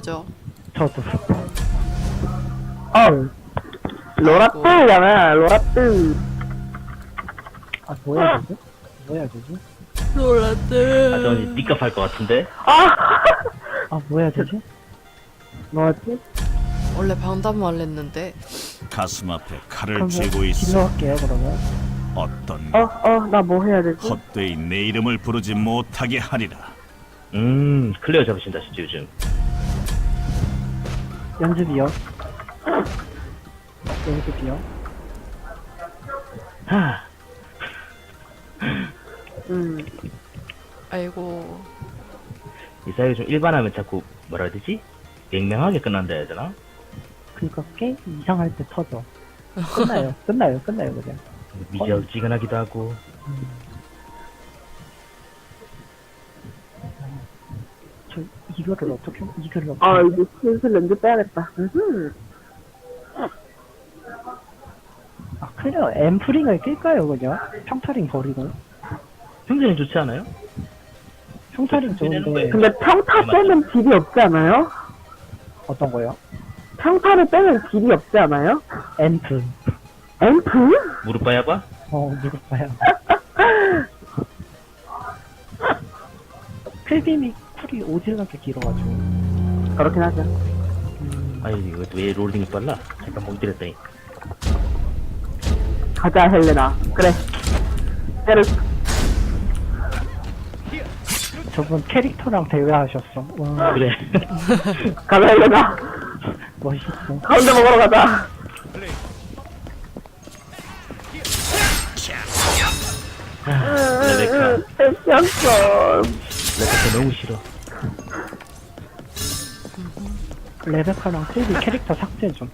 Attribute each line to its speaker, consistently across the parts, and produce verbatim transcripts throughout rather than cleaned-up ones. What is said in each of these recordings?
Speaker 1: 그죠?
Speaker 2: 저도.
Speaker 3: 어, 로라뜨잖아, 로라뜨.
Speaker 2: 아, 뭐 해야 되지? 뭐 해야 되지?
Speaker 4: 아,
Speaker 1: 놀랐대.
Speaker 4: 저는 니값 할 것 같은데?
Speaker 3: 아!
Speaker 2: 아, 뭐 해야 되지?
Speaker 3: 뭐지?
Speaker 1: 원래 방담만 했는데.
Speaker 5: 가슴 앞에 칼을
Speaker 2: 그럼
Speaker 5: 쥐고 있어.
Speaker 2: 딜러 할게요, 그러면.
Speaker 5: 어떤
Speaker 3: 어, 어, 나 뭐 해야 되지?
Speaker 5: 헛되이 내 이름을 부르지 못하게 하리라.
Speaker 4: 음, 클리어 잡으신다, 진짜 요즘.
Speaker 2: 연습이요. 연습이요.
Speaker 4: 하,
Speaker 3: 음,
Speaker 1: 아이고.
Speaker 4: 이 사이가 좀 일반하면 자꾸, 뭐라 해야 되지? 맹맹하게 끝난다 해야 되나?
Speaker 2: 그니까 게임 이상할 때 터져. 끝나요, 끝나요, 끝나요, 그냥.
Speaker 4: 미지근하기도 하고.
Speaker 2: 저, 이거를 어떻게, 이거를 어떻게.
Speaker 3: 아, 이제 슬슬 렌즈 빼야겠다. 음흠.
Speaker 2: 아, 클리어 앰프링을 낄까요, 그냥? 평타링 버리고.
Speaker 4: 평소에는 좋지 않아요?
Speaker 2: 평타링 좋은데,
Speaker 3: 근데 평타 빼면 딜이 없지 않아요?
Speaker 2: 어떤 거요?
Speaker 3: 평타를 빼면 딜이 없지 않아요?
Speaker 2: 앰프.
Speaker 3: 앰프?
Speaker 4: 무릎 봐야봐?
Speaker 2: 어, 무릎봐요. 필빔이 쿨이 오질나게 길어가지고.
Speaker 3: 그렇긴 하죠.
Speaker 2: 음,
Speaker 4: 아니, 이거 왜 롤링이 빨라? 잠깐 멍 때렸더니.
Speaker 3: 가자, 헬레나. 그래. 때를,
Speaker 2: 저분 캐릭터랑 대회하셨어. 와,
Speaker 4: 그래.
Speaker 3: 가자, 헬레나.
Speaker 2: 멋있어.
Speaker 3: 가운데 먹으러 가자.
Speaker 4: 아, 레베카.
Speaker 3: 패션son.
Speaker 4: 레베카 너무 싫어.
Speaker 2: 레베카랑 필빔 캐릭터 삭제 좀.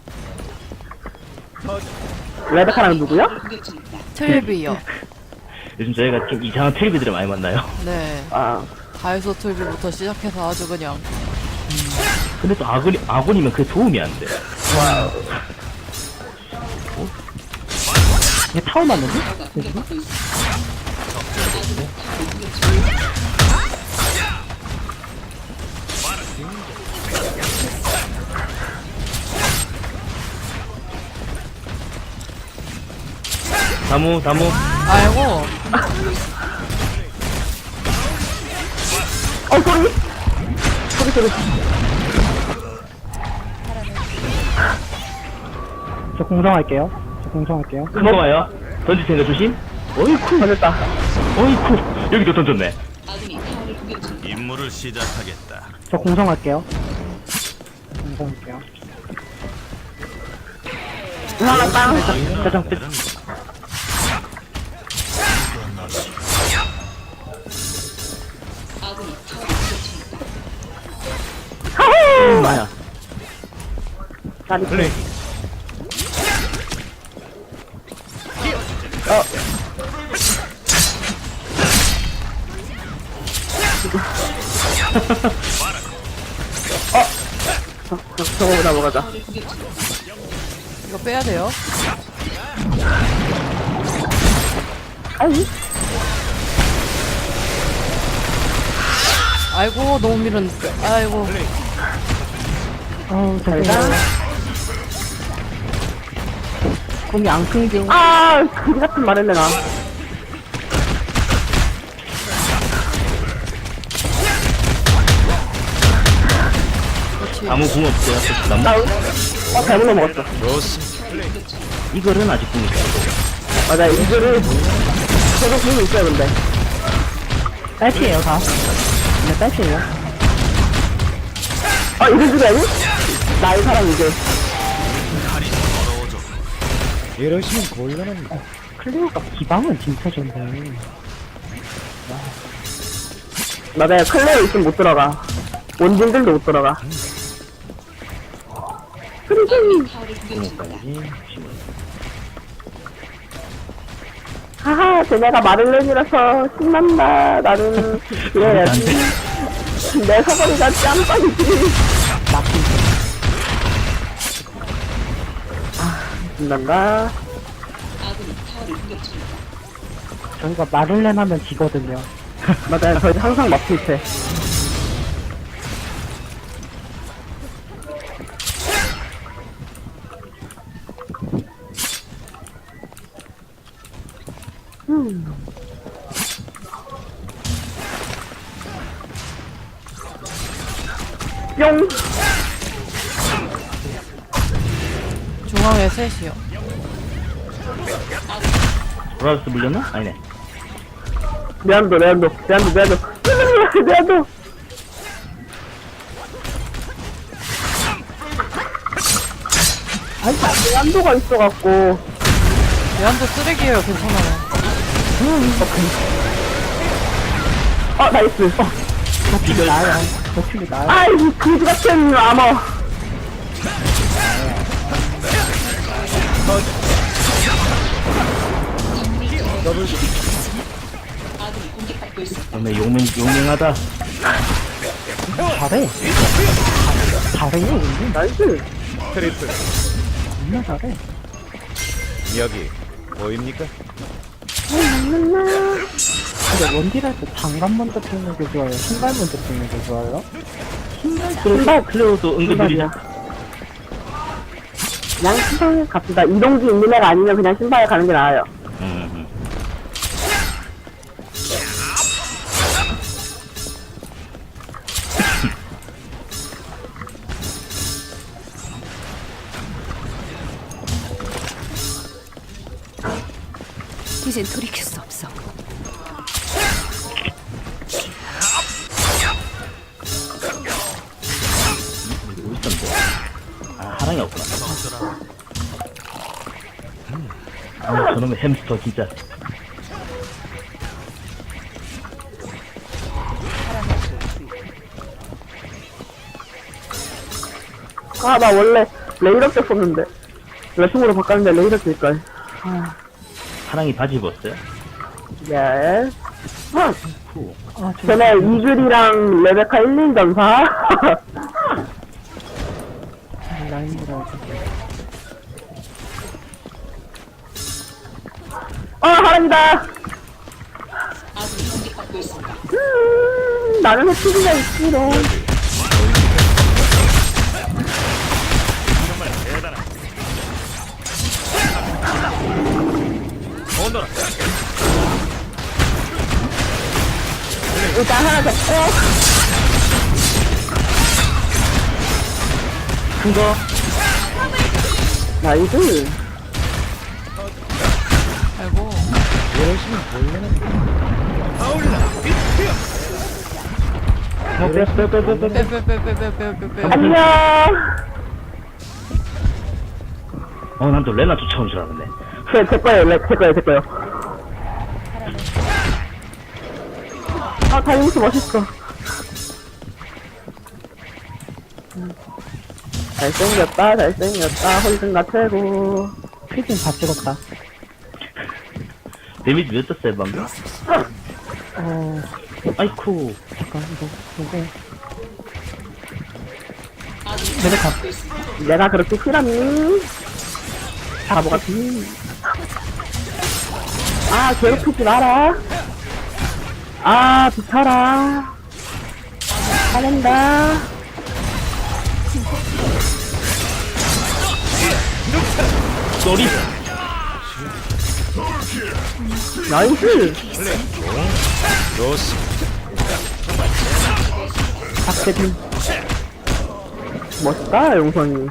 Speaker 3: 레베카랑 누구요?
Speaker 1: 틀비요.
Speaker 4: 요즘 저희가 좀 이상한 텔비들을 많이 만나요.
Speaker 1: 네.
Speaker 3: 아,
Speaker 1: 다이소 틀비부터 시작해서 아주 그냥.
Speaker 4: 근데 또 아군, 아군이면 그게 도움이 안 돼.
Speaker 2: 얘 타워 맞는데? 여기?
Speaker 4: 다무, 다무.
Speaker 1: 아이고.
Speaker 3: 어, 소리? 소리, 소리.
Speaker 2: 저 공성할게요. 저 공성할게요.
Speaker 4: 큰 거 와요. 던질 생각 조심. 어이쿠.
Speaker 3: 걸렸다.
Speaker 4: 어이쿠. 여기도 던졌네.
Speaker 5: 임무를 시작하겠다.
Speaker 2: 저 공성할게요. 공성할게요.
Speaker 3: 하나 빵.
Speaker 2: 짜장 끝.
Speaker 4: 음, 마야.
Speaker 3: 나리
Speaker 4: 플레이.
Speaker 3: 저, 저, 저거보다 먹어자.
Speaker 1: 이거 빼야 돼요.
Speaker 3: 아이,
Speaker 1: 아이고, 너무 밀은. 아이고.
Speaker 2: 어우,
Speaker 3: 잘
Speaker 2: 잘
Speaker 3: 가.
Speaker 2: 가. 공이 안 끊겨.
Speaker 3: 아, 그지 같은 말 했네, 나.
Speaker 1: 그렇지.
Speaker 4: 다무 궁 없어요. 나무.
Speaker 3: 나, 어, 잘못 넘어갔어.
Speaker 4: 이거는 아직 궁이 있어.
Speaker 3: 맞아, 이거를, 저도 보고 있어요, 근데.
Speaker 2: 딸피에요, 다. 네, 딸피에요.
Speaker 3: 아, 이거 주게 아니? 나이 사람 이제.
Speaker 6: 이러시면 곤란합니다.
Speaker 2: 클리어가 기방은 진짜 좋네.
Speaker 3: 맞아요, 클레어 있으면 못 들어가. 원진들도 못 들어가.
Speaker 4: 궁까지.
Speaker 3: 하하, 쟤네가 마를렌이라서 신난다. 나는 이래야지. 내 사거리가 짬밥이지.
Speaker 2: 막힌
Speaker 3: 아, 신난다.
Speaker 2: 저희가 마를렌 하면 지거든요.
Speaker 3: 맞아요, 저희 항상 막힐 때. 뿅!
Speaker 1: 중앙에 셋이요.
Speaker 4: 브라우스 물렸나? 아니네.
Speaker 3: 내한도, 내한도, 내한도, 내한도. 내한도! 아니, 내한도가 있어갖고.
Speaker 1: 얘한테 쓰레기예요. 괜찮아요.
Speaker 3: 어, 나이스.
Speaker 2: 버티기 나아요. 버티기 나아요.
Speaker 3: 아이, 그지 같은 아머.
Speaker 4: 오늘 용맹, 용맹하다.
Speaker 2: 잘해. 잘해. 은근
Speaker 3: 나이스.
Speaker 6: 트리플
Speaker 2: 존나 잘해.
Speaker 6: 여기 보입니까?
Speaker 2: 근데 원딜할 때 장갑 먼저 찍는 게 좋아요? 신발 먼저 찍는 게 좋아요?
Speaker 3: 신발,
Speaker 4: 클레오도 은근 느리다.
Speaker 3: 신발이야. 그냥 신발 갑시다. 이동기 있는 애가 아니면 그냥 신발에 가는 게 나아요.
Speaker 4: 음, 음.
Speaker 7: 이젠 돌이킬 수 없어.
Speaker 4: 뭐 있던데? 아, 하랑이 없구나. 아, 저놈의 햄스터, 진짜.
Speaker 3: 아, 나 원래 레이더 썼었는데. 레슨으로 바꿨는데 레이더 쓸걸.
Speaker 4: 하랑이 바지 입었어요?
Speaker 3: 예. huh.
Speaker 2: 아, 저
Speaker 3: 전에 이글이랑 레베카 일, 인 전사.
Speaker 2: 라인이라고.
Speaker 3: 어, 하람이다. 음, 나는 해치기가 있기로. 일단 하나 잡고.
Speaker 4: 큰 거?
Speaker 3: 나이스.
Speaker 1: 아이고.
Speaker 6: 이러시면 곤란합니다.
Speaker 4: 어, 빼, 빼, 빼, 빼, 빼, 빼.
Speaker 1: 빼빼빼빼빼빼빼.
Speaker 3: 안녕.
Speaker 4: 어, 난 또 레나 쫓아온 줄 알았네.
Speaker 3: 제, 제 거예요, 레, 제 거예요, 제 거예요. 아, 다이무스 멋있어. 잘생겼다, 잘생겼다, 홀든가 최고.
Speaker 2: 피딩 다 찍었다.
Speaker 4: 데미지 몇 떴어요, 방금?
Speaker 2: 어,
Speaker 4: 아이쿠.
Speaker 2: 잠깐, 이거, 이거. 레베카.
Speaker 3: 내가 그렇게 싫었니? 바보 같니? 아, 괴롭히지 마라. 아, 비켜라. 화낸다.
Speaker 4: 쏘리.
Speaker 3: 나이스.
Speaker 6: 좋습니다.
Speaker 3: 박세빈. 멋있다, 용선이.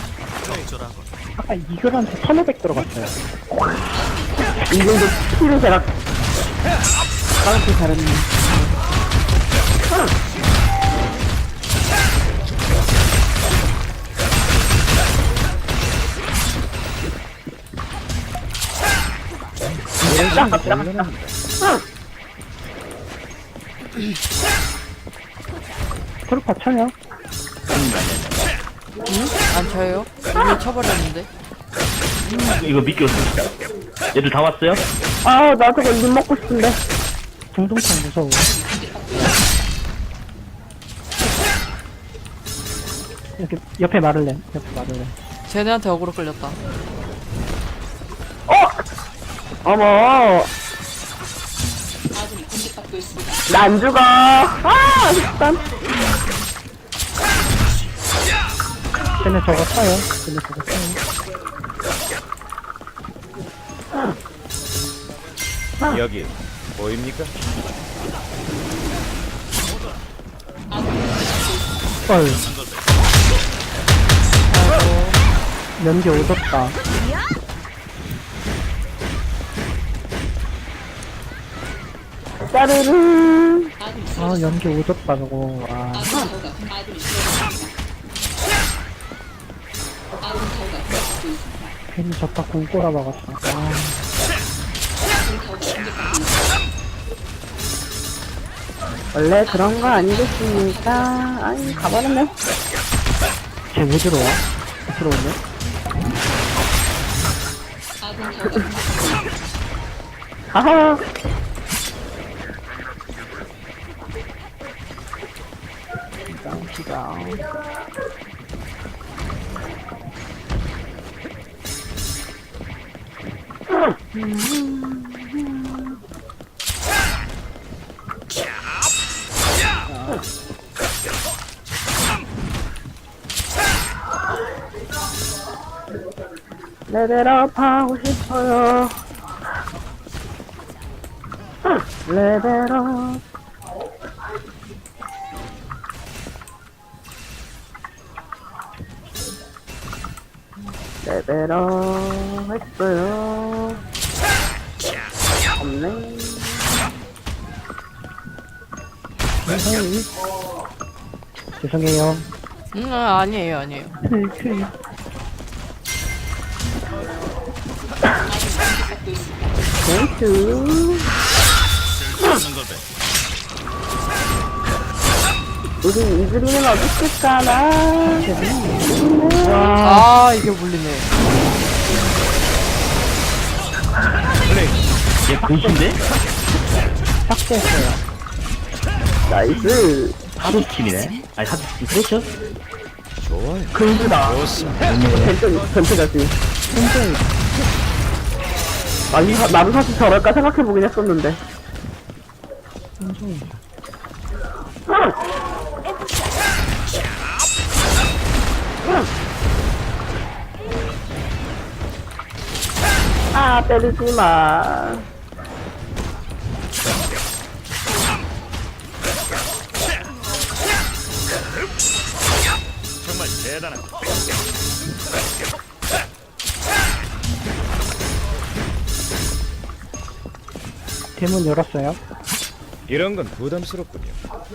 Speaker 2: 아까 이글한테 천오백 들어갔어요.
Speaker 3: 이 정도 스킬을 제가
Speaker 2: 까놓고 잘했네.
Speaker 3: 딱 갑시다.
Speaker 2: 트루파 쳐요?
Speaker 1: 안 쳐요? 이미 쳐버렸는데.
Speaker 4: 이거 미끼 없습니다. 얘들 다 왔어요?
Speaker 3: 아, 나 저거 입 먹고 싶은데.
Speaker 2: 중동창 무서워. 이렇게 옆에 마를렌, 옆에 마를렌.
Speaker 1: 쟤네한테 어그로 끌렸다.
Speaker 3: 어! 어머. 나 안 죽어. 아, 일단.
Speaker 2: 쟤네 저거 써요. 쟤네 저거 써요.
Speaker 6: 여기 보입니까?
Speaker 2: 헐. 연기 오졌다.
Speaker 3: 짜르르.
Speaker 2: 아, 연기 오졌다, 저거. 아. 괜히 졌다 공 꼬라 박았어. 아.
Speaker 3: 원래 그런 거 아니겠습니까? 아니, 가버렸네.
Speaker 2: 쟤왜 들어와? 들어오네?
Speaker 3: 하하.
Speaker 2: 짱치다.
Speaker 3: 레벨업 하고 싶어요. 레벨업. 레벨업 했어요. 없네.
Speaker 2: 죄송해요.
Speaker 1: 음, 아, 아니에요, 아니에요.
Speaker 3: 땡큐.
Speaker 5: 쓸데없는 걸 배.
Speaker 3: 우리 이즈리는 어디 있을까나.
Speaker 1: 아, 이게 물리네.
Speaker 4: 얘 근신데?
Speaker 2: 삭제했어요.
Speaker 3: 나이스.
Speaker 4: 하드팀이네. 아니, 하드팀 그렇죠?
Speaker 6: 좋아요.
Speaker 3: 근수다.
Speaker 6: 좋습니다.
Speaker 3: 벤트, 벤트가지. 아니, 사- 나도 사실 저럴까 생각해보긴 했었는데. 아, 때리지 마.
Speaker 5: 정말 대단하다.
Speaker 2: 대문 열었어요.
Speaker 6: 이런 건 부담스럽군요.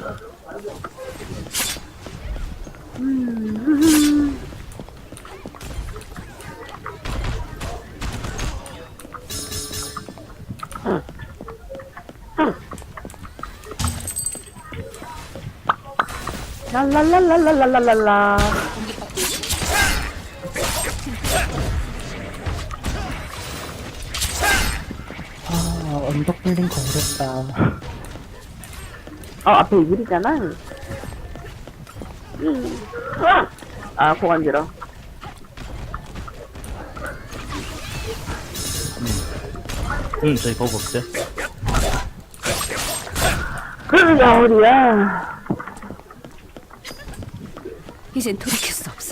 Speaker 3: 랄랄랄랄랄랄랄라.
Speaker 2: 아, 언덕 블링크 어렵다.
Speaker 3: 아, 앞에 이글이잖아. 음. 아, 고간지러.
Speaker 4: 응, 저희 보고 없어요.
Speaker 3: 그래, 야울이야.
Speaker 7: 이젠 돌이킬 수 없어.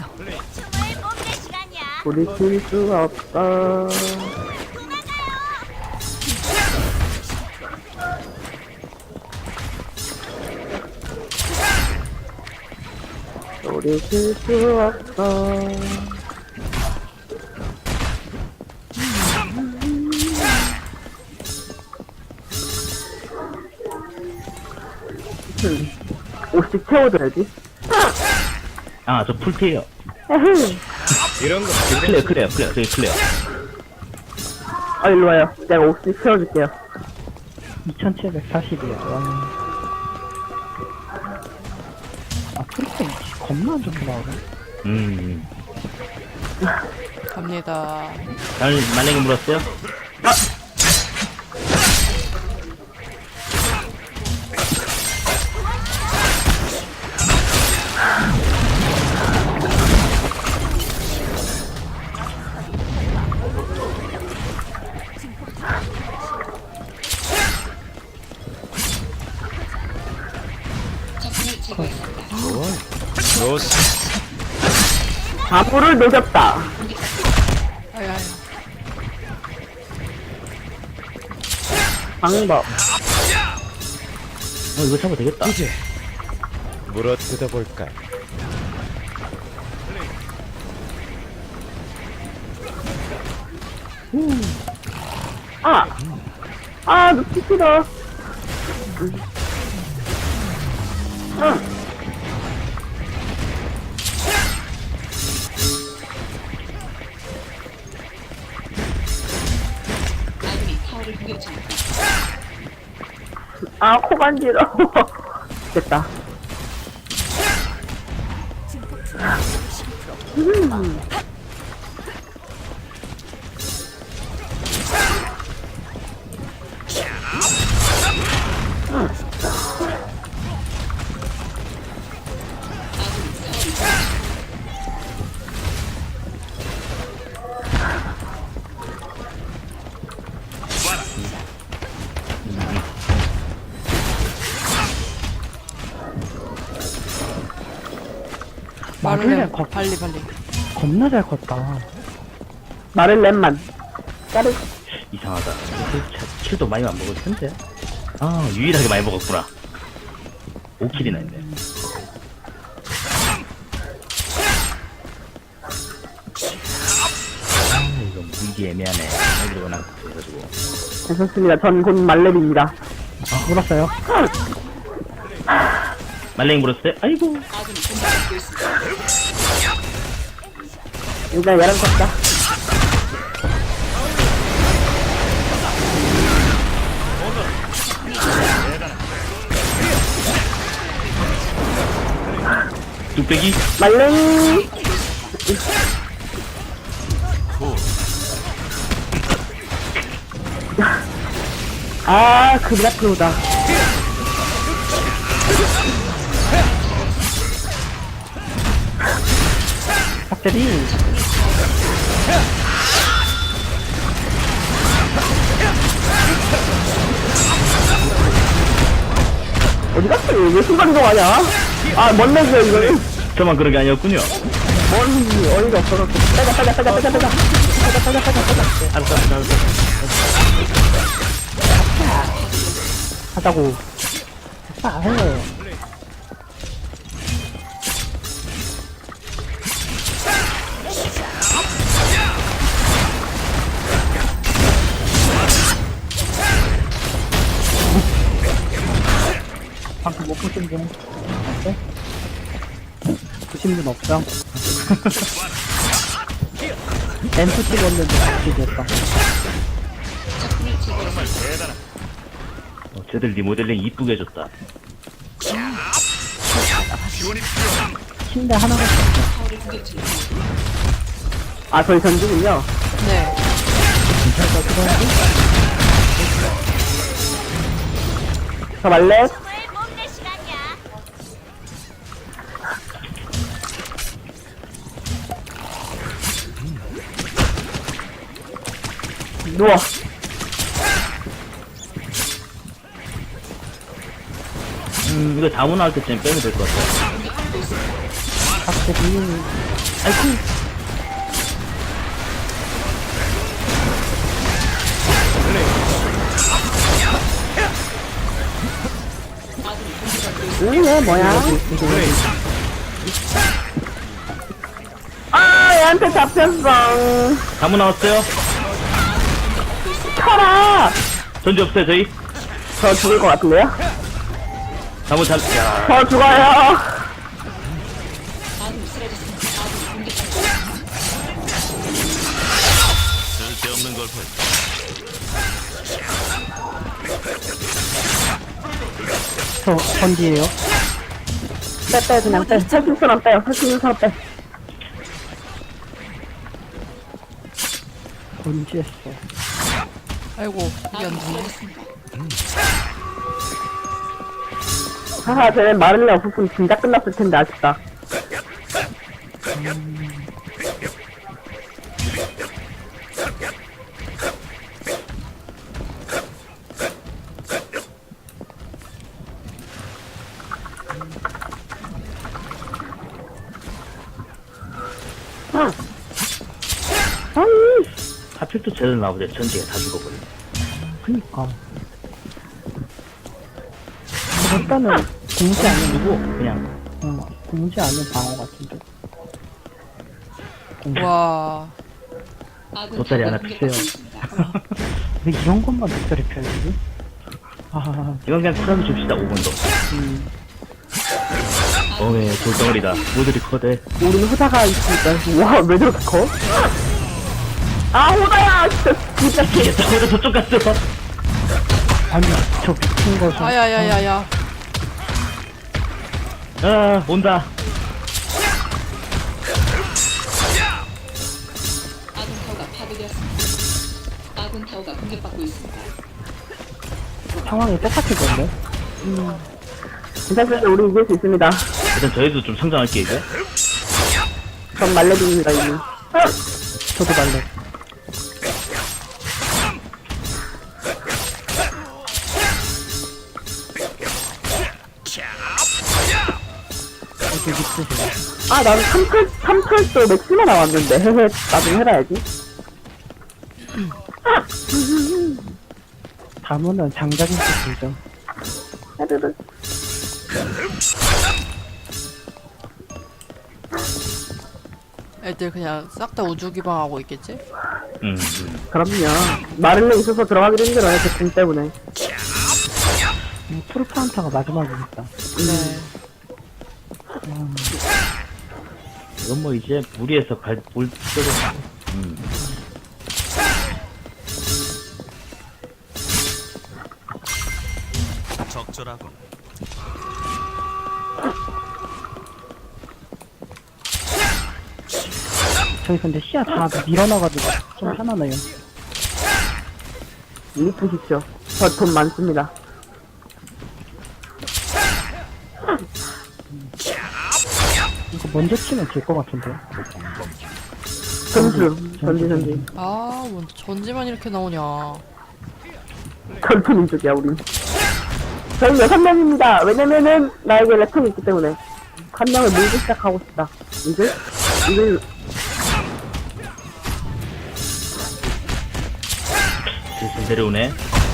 Speaker 3: 돌이킬 수 없어. 돌이킬 수 없어. 음, 오씩 채워줘야지.
Speaker 4: 아, 저 풀피에요.
Speaker 6: 이런 건
Speaker 4: 클레어, 클레어, 클레어, 저기 클레어.
Speaker 3: 아, 일로 와요. 내가 오씩 채워줄게요.
Speaker 2: 이천칠백사십이요. 와. 아, 프리스팅 겁나 안 좋게 나오네.
Speaker 4: 음.
Speaker 1: 갑니다.
Speaker 4: 나는 만약에 물었어요?
Speaker 6: 좋습니다.
Speaker 3: 바보를 녹였다.
Speaker 1: 아야야.
Speaker 3: 방법.
Speaker 4: 어, 이거 잡아도 되겠다.
Speaker 6: 이제 물어 뜯어볼까?
Speaker 3: 아! 아, 놓치시다. 응. 아, 코 간지러워. 됐다. 음.
Speaker 1: 말을
Speaker 2: 마를렌
Speaker 1: 해.
Speaker 2: 거,
Speaker 1: 빨리 빨리.
Speaker 2: 겁나 잘 컸다.
Speaker 3: 마를렌만. 까르.
Speaker 4: 이상하다. 킬도 많이 안 먹을 텐데. 아, 유일하게 많이 먹었구나. 오 킬이나 했네. 아, 이거 물기 애매하네. 애들이 워낙 해가지고.
Speaker 3: 괜찮습니다. 전 곧 말렙입니다.
Speaker 2: 물었어요.
Speaker 4: 말랭이 물었을 때, 아이고.
Speaker 3: 일단 얘랑 쳤다.
Speaker 4: 뚝배기?
Speaker 3: 말랭이. 아, 그 미라클로다.
Speaker 2: 박대리.
Speaker 3: 어디 갔어? 왜 순간이동하냐? 아, 뭔 얘기야, 이거는?
Speaker 4: 저만 그런 게 아니었군요.
Speaker 3: 뭔 어이가 없어갖고. 빼자, 빼자, 빼자, 빼자, 빼자. 빼자, 빼자, 빼자, 빼자.
Speaker 4: 알았어, 알았어, 알았어.
Speaker 2: 하자고. 아, 해. 방금 못 보신 분? 네? 보신 분 없죠? 엠프 찍었는데 같이 됐다.
Speaker 4: 어, 쟤들 리모델링 이쁘게 해줬다.
Speaker 2: 침대 하나가 있어.
Speaker 3: 아, 저희 전주군요.
Speaker 1: 네.
Speaker 3: 저 말렙. 누워.
Speaker 4: 음, 이거 다문화 할 때쯤 빼면 될 것 같아.
Speaker 2: 박대리.
Speaker 4: 아이쿠.
Speaker 3: 응, 얘 뭐야? 아, 얘한테 잡혔어.
Speaker 4: 다문 나왔어요?
Speaker 3: 쳐라!
Speaker 4: 전지 없어요, 저희?
Speaker 3: 저 죽을 것 같은데요?
Speaker 4: 다문 잘, 야.
Speaker 3: 저 죽어요.
Speaker 5: 쓸데없는 걸 볼.
Speaker 2: 저, 전지예요.
Speaker 3: 빼, 빼, 그냥 빼. 할 수 있는 사람 빼요. 할 수 있는 사람 빼.
Speaker 2: 전지했어.
Speaker 1: 아이고 이게 안 되네.
Speaker 3: 하하, 쟤는 마를레 없었으면 진짜 끝났을 텐데, 아쉽다. 아. 아이.
Speaker 4: 하필 또 쟤들 나오자 전지가 다 죽어버리네.
Speaker 2: 그니까. 일단은 공지 않는
Speaker 4: 누구? 그냥
Speaker 2: 어, 공지 않는 방어 같은데. 공지.
Speaker 1: 와.
Speaker 4: 돗자리 하나 주세요.
Speaker 2: 왜 이런 것만 돗자리 펴야지? 아,
Speaker 4: 이건 그냥 쿨하게 줍시다. 오 분도.
Speaker 2: 음,
Speaker 4: 어메 돌덩어리다. 모들이 커대.
Speaker 3: 우리는 호다가 있으니까. 와, 왜 저렇게 커? 아, 호다야! 진짜, 진짜 개.
Speaker 4: 이게 저거도 저쪽 갔어.
Speaker 2: 아니, 저 미친 것은.
Speaker 1: 아야야야야.
Speaker 4: 아 온다.
Speaker 8: 아군 타워가 파괴되었습니다. 아군 타워가 공격받고 있습니다.
Speaker 2: 상황이 똑같을 건데.
Speaker 3: 괜찮습니다. 우리 이길 수 있습니다.
Speaker 4: 일단 저희도 좀 성장할게 이제.
Speaker 3: 전 말레빈입니다, 이미.
Speaker 2: 저도 말래. 어디 있으세요?
Speaker 3: 아, 나는 삼 팔, 삼 팔도 맥스만 나왔는데. 헤헤, 나중에 해놔야지.
Speaker 2: 다문은 장작인 것 들죠.
Speaker 3: 헤드드.
Speaker 1: 애들 그냥 싹 다 우주 기방하고 있겠지?
Speaker 4: 음. 음.
Speaker 3: 그럼요. 마를레 있어서 들어가기도 힘들어요, 제 궁 때문에.
Speaker 2: 음, 푸르파운타가 마지막이니까.
Speaker 1: 네.
Speaker 4: 이건 뭐 이제 무리해서 갈볼 필요도 없고. 음.
Speaker 5: 적절하군.
Speaker 2: 저희 근데 시야 다 밀어놔가지고 좀 편하네요.
Speaker 3: 이쁘십시오. 저 돈 많습니다.
Speaker 2: 이거 먼저 치면 질 것 같은데.
Speaker 3: 전주, 전지, 전지.
Speaker 1: 아, 뭔 전지만 이렇게 나오냐.
Speaker 3: 전투민족이야, 우린. 저희 여섯 명입니다. 왜냐면은, 나에게 랩통이 있기 때문에. 한 명을 밀기 시작하고 싶다. 이글? 이글,
Speaker 4: 슬슬 내려오네.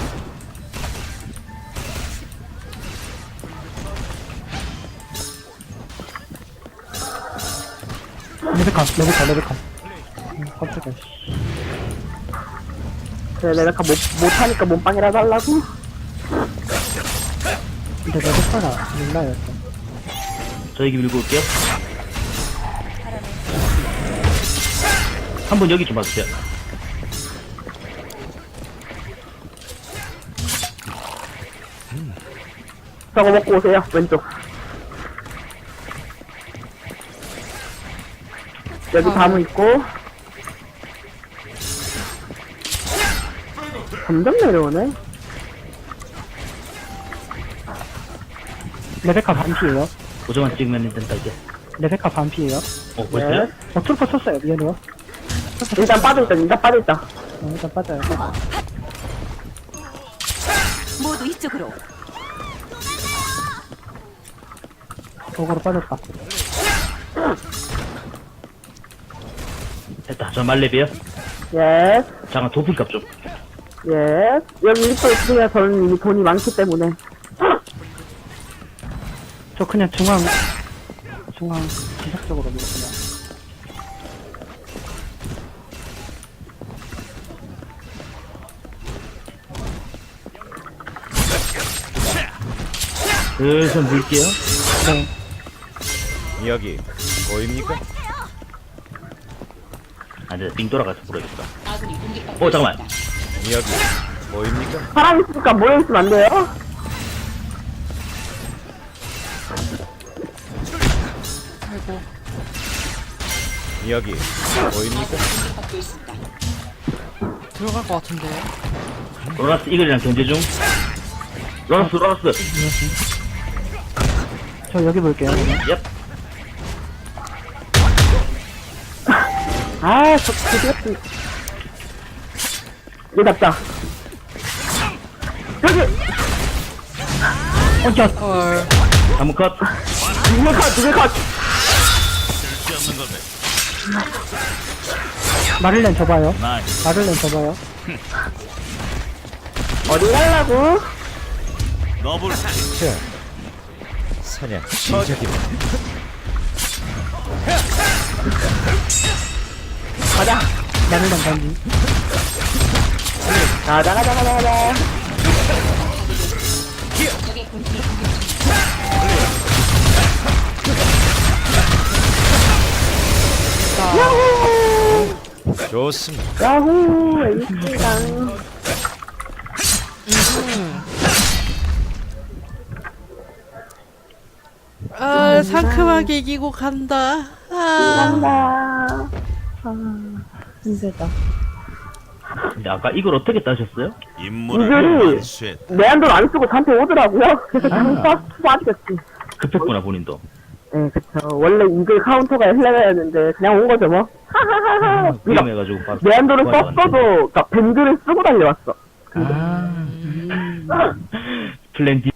Speaker 2: 레베카, 레베카, 레베카. 음, 깜짝이야. 씨.
Speaker 3: 그래, 내가 못, 못하니까 몸빵이라도 하려고?
Speaker 2: 근데 레베카가 몰라요. 또.
Speaker 4: 저에게 밀고 올게요. 한 번 여기 좀 봐주세요.
Speaker 3: 저거 먹고 오세요, 왼쪽. 여기
Speaker 1: 아.
Speaker 3: 다무 있고. 점점 내려오네.
Speaker 2: 레베카 반피에요.
Speaker 4: 고정만 찍으면 된다 이제.
Speaker 2: 레베카 반피에요.
Speaker 4: 어 벌써요?
Speaker 3: 네.
Speaker 2: 어, 트루퍼 쳤어요. 미안해요.
Speaker 3: 일단 빠져있다, 일단 빠져있다.
Speaker 2: 어, 일단 빠져요.
Speaker 7: 모두 이쪽으로.
Speaker 2: 거꾸로 빠졌다.
Speaker 4: 됐다. 저 말레비요.
Speaker 3: 예스,
Speaker 4: 잠깐 도품값 좀.
Speaker 3: 예스. 여기 일도 있으면 저는 이미 돈이 많기 때문에.
Speaker 2: 저 그냥 중앙, 중앙 지속적으로 밀었구나.
Speaker 4: 슬슬 물게요.
Speaker 2: 네.
Speaker 6: 여기 보입니까?
Speaker 4: 아, 이제 빙 돌아가서 물어야겠다.
Speaker 8: 아군이 공격받고
Speaker 4: 어, 잠깐만.
Speaker 8: 있습니다.
Speaker 6: 여기 보입니까?
Speaker 3: 사람 있으니까 모여있으면 안 돼요?
Speaker 1: 아이고.
Speaker 6: 여기 보입니까?
Speaker 8: 공격받고 있습니다.
Speaker 1: 들어갈 것 같은데.
Speaker 4: 로라스 이글이랑 견제 중. 로라스, 로라스.
Speaker 2: 저 여기 볼게요. 그러면.
Speaker 4: 얍.
Speaker 3: 아, 저, 저, 같은. 여기 잡자. 여기!
Speaker 2: 어, 야,
Speaker 1: 헐.
Speaker 4: 한번 컷.
Speaker 3: 두개 컷, 두개 컷!
Speaker 5: 쓸데없는 걸 해.
Speaker 2: 마를렌 접어요.
Speaker 5: 나이스.
Speaker 2: 마를렌 접어요.
Speaker 3: 어디 가려고?
Speaker 5: 너블
Speaker 6: 자, 사냥 시작이다.
Speaker 3: 가자.
Speaker 2: 나는 간다니.
Speaker 3: 가자, 가자, 가자, 가자.
Speaker 8: 적의 본체를 공격
Speaker 6: 좋습니다.
Speaker 3: 야호, 에이스랑.
Speaker 1: 아, 상큼하게 이기고 간다. 아,
Speaker 3: 간다.
Speaker 2: 힘들다.
Speaker 4: 근데 아까 이걸 어떻게 따셨어요?
Speaker 5: 임무를
Speaker 3: 이거를-
Speaker 5: 완수했다.
Speaker 3: 내한돈 안 쓰고 저한테 오더라고요. 그래서 장사 빠지겠지.
Speaker 4: 급했구나 본인도.
Speaker 3: 네, 그쵸. 원래 이글 카운터가 헬레가였는데 그냥 온 거죠, 뭐. 하하하하.
Speaker 4: 아, 위험해가지고 바로
Speaker 3: 내한돈을
Speaker 4: 도와줬는데.
Speaker 3: 썼어도, 그니까 밴드를 쓰고 달려왔어.
Speaker 4: 아 플랜 B